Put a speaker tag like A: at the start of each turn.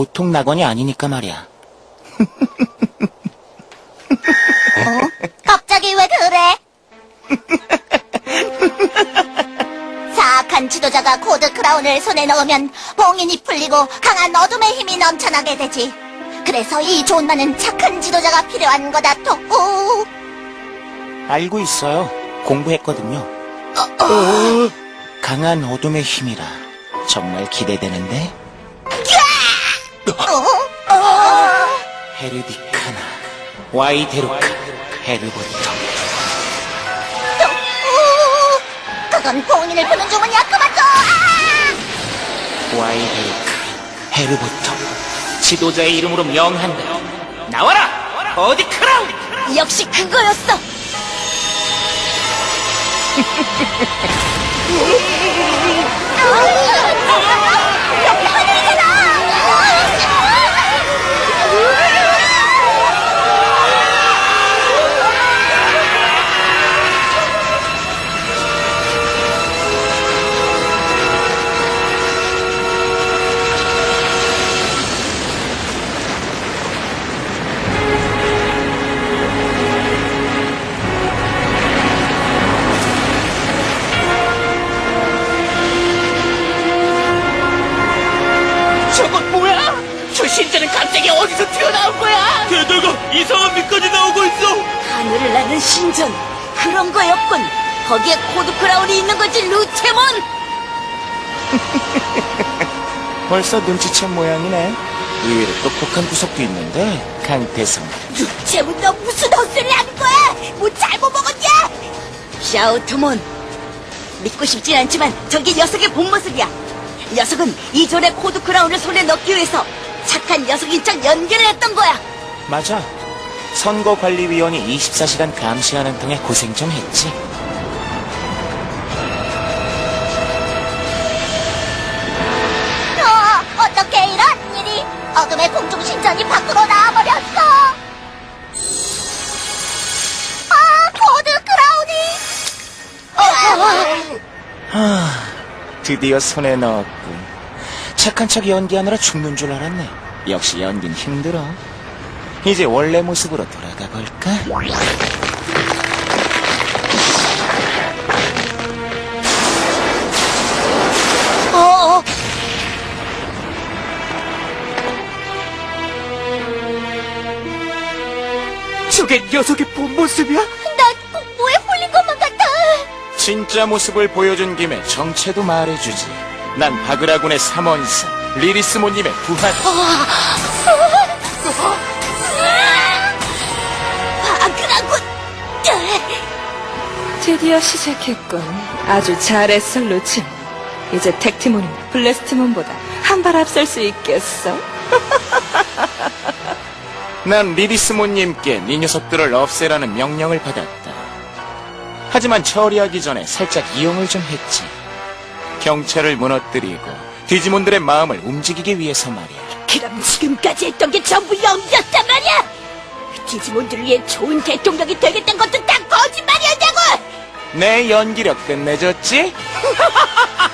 A: 보통 낙원이 아니니까 말이야.
B: 갑자기 왜 그래? 사악한 지도자가 코드 크라운을 손에 넣으면 봉인이 풀리고 강한 어둠의 힘이 넘쳐나게 되지. 그래서 이 존만은 착한 지도자가 필요한 거다, 토꾸.
A: 알고 있어요. 공부했거든요. 강한 어둠의 힘이라 정말 기대되는데. 헤르디카나, 와이데루카, 헤르보터.
B: 그건 봉인을 푸는 주문이야, 그만둬!
A: 와이데루카, 헤르보터. 지도자의 이름으로 명한다. 나와라! 어디 크라운!
B: 역시 그거였어! 여기 하늘이잖아!
A: 저건 뭐야? 저 신자는 갑자기 어디서 튀어나온 거야?
C: 게다가 이상한 빛까지 나오고 있어.
B: 하늘을 나는 신전 그런 거였군. 거기에 코드 크라운이 있는 거지, 루체몬.
A: 벌써 눈치챈 모양이네. 의외로 똑똑한 구석도 있는데, 강태성.
B: 루체몬, 너 무슨 헛소리를 하는 거야? 뭐 잘못 먹었냐? 샤우트몬, 믿고 싶진 않지만 저게 녀석의 본 모습이야. 녀석은 이전에 코드 크라운을 손에 넣기 위해서 착한 녀석인 척 연기를 했던 거야.
A: 맞아. 선거관리위원이 24시간 감시하는 통에 고생 좀 했지.
B: 어떻게 이런 일이? 어둠의 공중신전이 밖으로 나와버렸어. 코드 크라운이.
A: 드디어 손에 넣었군. 착한 척 연기하느라 죽는 줄 알았네. 역시 연긴 힘들어. 이제 원래 모습으로 돌아가 볼까?
C: 저게 녀석의 본 모습이야?
B: 난 공포에 홀린 것만 같아.
A: 진짜 모습을 보여준 김에 정체도 말해주지. 난 바그라군의 삼원사 리리스모님의 부하.
B: 바그라군.
D: 드디어 시작했군. 아주 잘했어, 루치몬. 이제 택티몬이나 블래스트몬보다 한 발 앞설 수 있겠어.
A: 난 리리스모님께 네 녀석들을 없애라는 명령을 받았다. 하지만 처리하기 전에 살짝 이용을 좀 했지. 경찰을 무너뜨리고 디지몬들의 마음을 움직이기 위해서 말이야.
B: 그럼 지금까지 했던 게 전부 연기였단 말이야. 디지몬들을 위해 좋은 대통령이 되겠다는 것도 다 거짓말이었냐고.
A: 내 연기력 끝내줬지?